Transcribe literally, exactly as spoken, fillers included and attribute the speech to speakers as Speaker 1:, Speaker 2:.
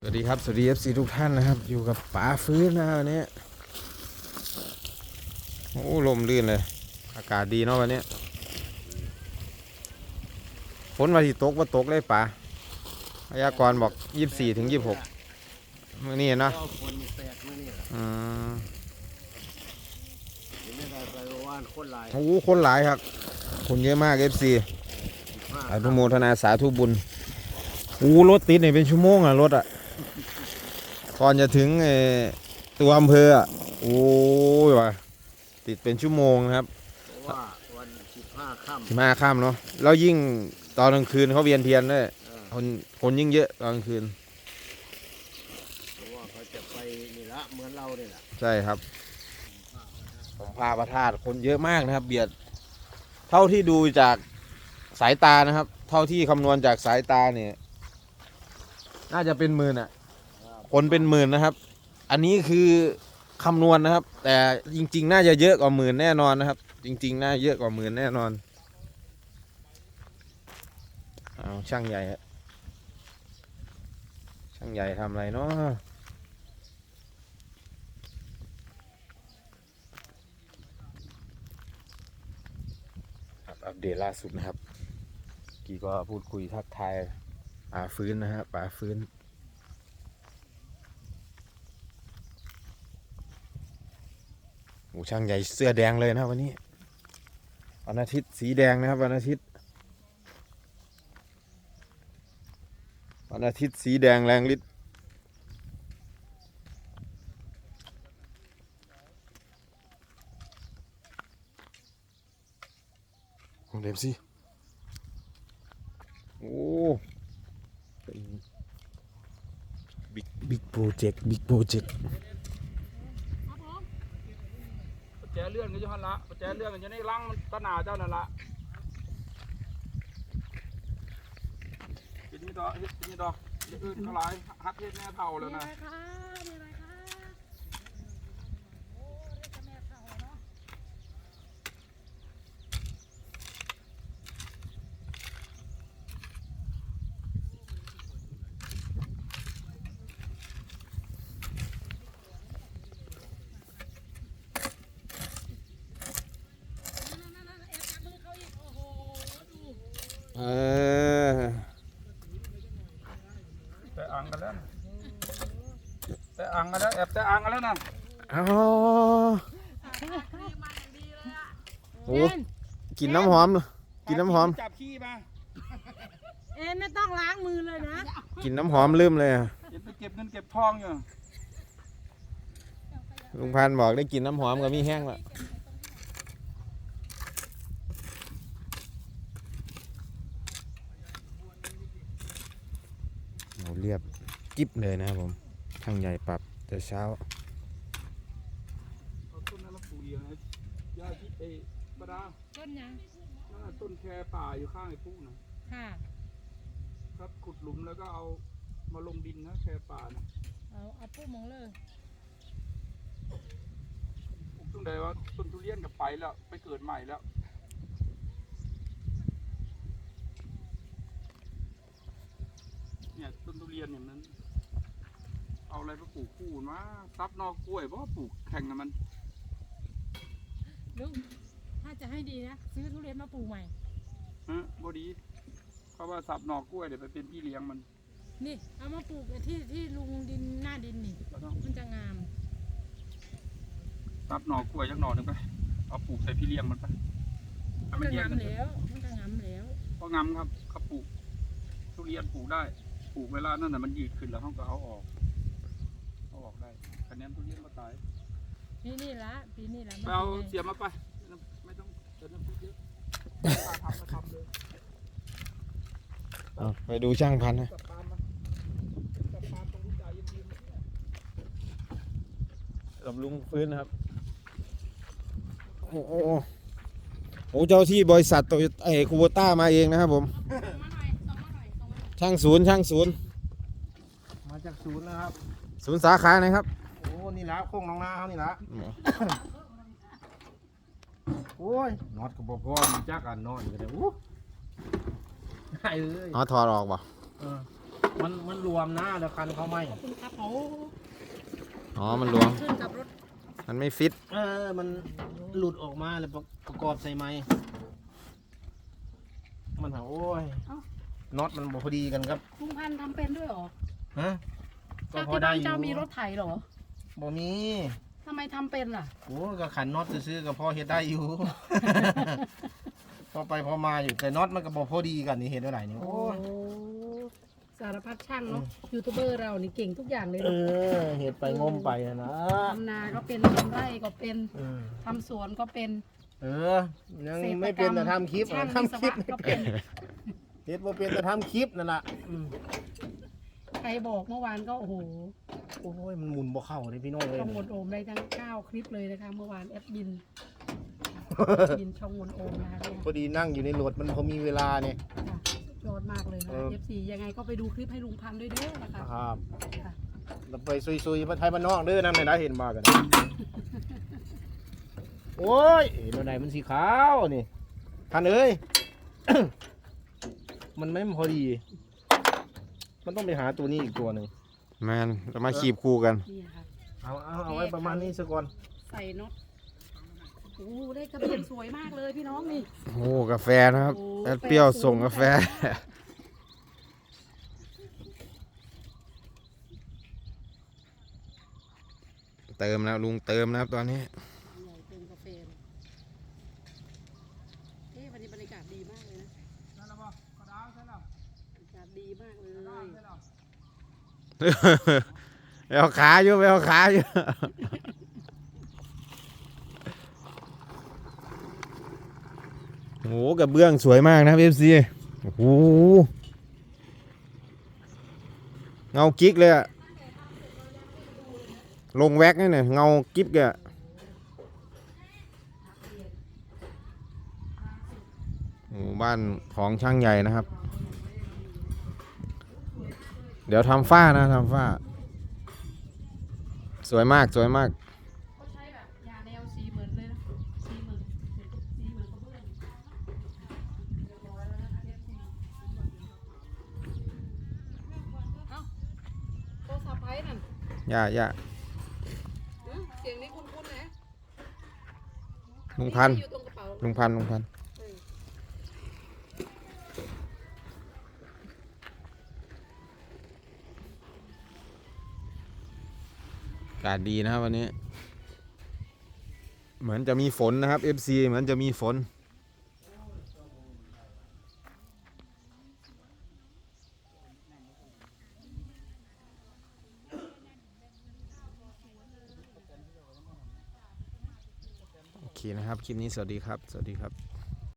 Speaker 1: วัสดีครับสวัสดี เอฟ ซี ทุกท่านนะครับอยู่กับป๋าฟื้นนะวันนี้โอ้ลมลื่นเลยอากาศดีเนาะวันนี้ฝนวันที่ตกว่าตกเลยป๋าพยากรณ์บอกยี่สิบสี่ถึงยี่สิบหกมื่อนี้เนาะอืมโอ้คนหลายครับคนเยอะมาก เอฟ ซี อนุโมทนาสาธุบุญอู้รถติดเนี่ยเป็นชั่วโมงอะรถอะก่อนจะถึงตัวอำเภออ่ะโอ้ยว่ะติดเป็นชั่วโมงนะครับเพราะว่าวันสิบห้าค่ำสิบห้าค่ำเนาะแล้วยิ่งตอนกลางคืนเขาเวียนเทียนด้วยคนคนยิ่งเยอะตอนกลางคืนเพราะว่าเขาจะไปนี่ละเหมือนเราเนี่ยแหละใช่ครับผมพาพระธาตุคนเยอะมากนะครับเบียดเท่าที่ดูจากสายตานะครับเท่าที่คำนวณจากสายตาเนี่ยน่าจะเป็นหมื่นอ่ะคนเป็นหมื่นนะครับอันนี้คือคำนวณนะครับแต่จริงๆน่าจะเยอะกว่าหมื่นแน่นอนนะครับจริงๆน่าเยอะกว่าหมื่นแน่นอนเอาช่างใหญ่ช่างใหญ่ทำอะไรเนาะอัปเดตล่าสุดนะครับกี่ก็พูดคุยทักทายป่าฟื้นนะครับป่าฟื้นโอ้ช่างใหญ่เสื้อแดงเลยนะครับวันนี้วันอาทิตย์สีแดงนะครับวันอาทิตย์วันอาทิตย์สีแดงแรงฤทธิ์ของเดมซี่โอ้เป็นบิ๊กบิ๊กโปรเจกต์บิ๊กโปรเจกต์
Speaker 2: ปัจจัยเลื่อนกันอยู่หันละปัจจัยเลื่อนกันอยู่ในรังมันตะหนาเจ้านั่นละกินนี่ดอกเฮ็ดกินนี่ดอกอื่นเขาหลายฮักเฮ็ดแม่เท่าแล้วนะ
Speaker 1: เออ
Speaker 2: แต่อ่างกันแล้วแต่อ่างกันแล้วแอบแต่อ่างกันแล้วนะ
Speaker 1: อ๋อโอ้กินน้ำหอมกินน้ำหอม
Speaker 2: จับขี้มา
Speaker 3: เอ็นไม่ต้องล้างมือเลยนะ
Speaker 1: กินน้ำหอมลืมเลยอ่ะ
Speaker 2: เก็บไปเก็บเงินเก็บทองอยู่
Speaker 1: ลุงพันบอกได้กินน้ำหอมกับมีแห้งละเราเรียบกิ๊บเลยนะครับผมทางใหญ่ปรับแต่เช้า
Speaker 2: ต้นนั้นเราปลูกเองนะยาที่ไอ้บดา
Speaker 3: ต้นยัง
Speaker 2: ต้นแคป่าอยู่ข้างไอ้ปุ๊นะ
Speaker 3: ค่ะ
Speaker 2: ครับขุดหลุมแล้วก็เอามาลงดินนะแคป่านะ
Speaker 3: เอาเอาปุ๊มองเลย
Speaker 2: ปลูกตรงใดว่าต้นทุเรียนกับไปแล้วไปเกิดใหม่แล้วเนี่ยต้นทุเรียนอย่างนั้นเอาอะไรมาปลูกคู่มาซับนอกกล้วยเพราะว่าปลูกแข่งกับมัน
Speaker 3: ลุงถ้าจะให้ดีนะซื้อทุเรียนมาปลูกใหม่
Speaker 2: ฮะบดีเพราะว่าสับนอกกล้วยเดี๋ยวไปเป็นพี่เลี้ยงมัน
Speaker 3: นี่เอามาปลูกที่ที่ลุงดินหน้าดินนี่มันจะงาม
Speaker 2: สับนอกกล้วยยักหน่อหนึ่งไปเอาปลูกใส่พี่เลี้ยงมันไป
Speaker 3: มันจะงามแล้วมันจะงามแล้ว
Speaker 2: เพราะงามครับเขาปลูกทุเรียนปลูกได้ปลูกเวลานั่นน่ะมันยืดขึ้นแล้วเขาก็เอาออกเอาออกได้คะแนนทุเรียนมาตาย
Speaker 3: นี่นี่ละปีนี้ละ
Speaker 2: ไปเอาเสียมาไปไม่ต้องเติมน้ำพริกเยอะทำมาทำเลย
Speaker 1: ไปดูช่างพันนะกับลุงฟื้นนะครับโอ้โหโอ้เจ้าที่บริษัทโตโยต้าคูโบต้ามาเองนะครับผมช่างศูนย์ช่างศูนย์
Speaker 4: มาจากศูนย์นะครับ
Speaker 1: ศูนย์สาขาไหนครับ
Speaker 4: โอ้นี่ละโค้งน้องนาเขานี่ละโอ้ยนอดกับพ่อมีจักอันนอนกันเลยอู้ไอ้เลย
Speaker 1: อ๋อถอดออกป่ะ
Speaker 4: มันมันรวมนะแล้วคันเขาไหม
Speaker 3: ขอบคุณครับโอ้
Speaker 1: อ๋อมันหลวม
Speaker 3: ขึ้นกับรถ
Speaker 1: มันไม่ฟิต
Speaker 4: เออมันหลุดออกมาแล้วประกอบใส่ไม้มันหาโอ้ยน็อตมันบ่พอดีกันครับ
Speaker 3: ลุงพันธุ์ทำเป็นด้วยเหรอ
Speaker 4: ฮะก็
Speaker 3: เจ้า
Speaker 4: พอ
Speaker 3: ที่
Speaker 4: ได้
Speaker 3: บ้าน
Speaker 4: อยู่
Speaker 3: เจ้ามีรถไถเหรอ
Speaker 4: บ่มี
Speaker 3: ทำไมทำเป็นล่ะ
Speaker 4: โอ้ก็ขันน็อตซื้อๆก็พอเฮ็ดได้อยู่ พอไปพอมาอยู่แต่น็อตมันก็บ่พอดีกันนี่เห็นเท่าไหร่นี่
Speaker 3: โอ้
Speaker 4: โอ้ย
Speaker 3: สารพัดช่างเนาะยูทูบเบอร์เรานี่เก่งทุกอย่างเลย
Speaker 4: เอ
Speaker 3: เนาะ
Speaker 4: อเฮ็ดไปงมไปอะนะ
Speaker 3: ทำนาก็เป็นทำไร่ก็เป็น
Speaker 4: เออ
Speaker 3: ทำสวนก็เป็น
Speaker 4: เออยังไม่เป็นแต่ทำคลิป
Speaker 3: ช่าง
Speaker 4: ทำคลิป
Speaker 3: วิศวะ
Speaker 4: ไม่
Speaker 3: ก็
Speaker 4: เป็
Speaker 3: เป็น น
Speaker 4: เฮ็ดบ่เป็นแต่ทำคลิปนั่นล่ะอืม
Speaker 3: ใครบอกเมื่อวานก็โอ้โห
Speaker 4: โอ้ยมันหมุนบ่เข้าเลยพี่น้องเลย
Speaker 3: ช่องวนโอมได้ทั้งเก้าคลิปเลยนะคะเมื่อวานแอดมินมินช่องวนโอมนะคะเนี่ย
Speaker 4: พอดีนั่งอยู่ในรถมันพอมีเวลาเนี่ย
Speaker 3: ค่ะสุดยอดมากเลยนะ
Speaker 4: เออ
Speaker 3: เอฟซียังไงก็ไปดูคลิปให้ลุงพันธุ์ด้วยเด้อนะคะ
Speaker 4: ครับ
Speaker 3: ค่ะ
Speaker 4: เราไปซุยๆบ้านไทยบ้านนอกเด้อนั่นไม่ได้เห็นมากัน โอ้ยเห็นอะไรมันสีขาวนี่ทันเอ้ย มันไม่พอดี มันต้องไปหาตัวนี้อีกตัวหนึ่ง
Speaker 1: แมนจะมาขีบคู่กัน
Speaker 3: นี่ค่ะ
Speaker 4: เอาเอาเอาไว้ประมาณนี้สักก่อน
Speaker 3: ใส่น็อตโอ้ได้กระเบียนสวยมากเลยพี่น้องนี่
Speaker 1: โอ้กาแฟนะครับ
Speaker 3: โอ้
Speaker 1: แอดเปรี้ยว
Speaker 3: กาแฟ
Speaker 1: ส่งกาแฟ เติมแล้วลุงเติมนะครับตอนนี้
Speaker 3: ใหญ่เติมกาแฟเลยเอ๊ะวันนี้บรรยากาศดีมากเลยนะ
Speaker 2: นั่นแล้วบ่กระดาวใช่แล้ว
Speaker 3: บรรยากาศดีมากเลย
Speaker 2: ใช่แล้ว
Speaker 1: ไปเอาขาอยู่ไปเอาขาอยู่ โอ้โหกระเบื้องสวยมากนะเอฟซีโอ้โหเงากิ๊กเลยอะลงแว็กนี่เนี่ยเงากิ๊บแกอะโอ้บ้านของช่างใหญ่นะครับ เดี๋ยวทำฝ้านะทำฝ้า สวยมากสวยมาก
Speaker 3: เขาใช้แบบยาแนวสีเหมือนเลยนะสีเหมือนสีเหมือนกระเบื้องเรียบร้อยแล้วนะคะเอฟซีเอ้าโทรศัพท์ไพ่นั่น
Speaker 1: ย่าย่า
Speaker 3: อืมเสียงนี้คุ้นๆนะ
Speaker 1: ลุงพันธุ์
Speaker 3: อยู่ตรงกระเป๋า
Speaker 1: ลุงพันธุ์ลุงพันธุ์
Speaker 3: เออ
Speaker 1: อากาศดีนะครับวันนี้ เหมือนจะมีฝนนะครับ เอฟ ซี เหมือนจะมีฝน โอเคนะครับ คลิปนี้สวัสดีครับ สวัสดีครับ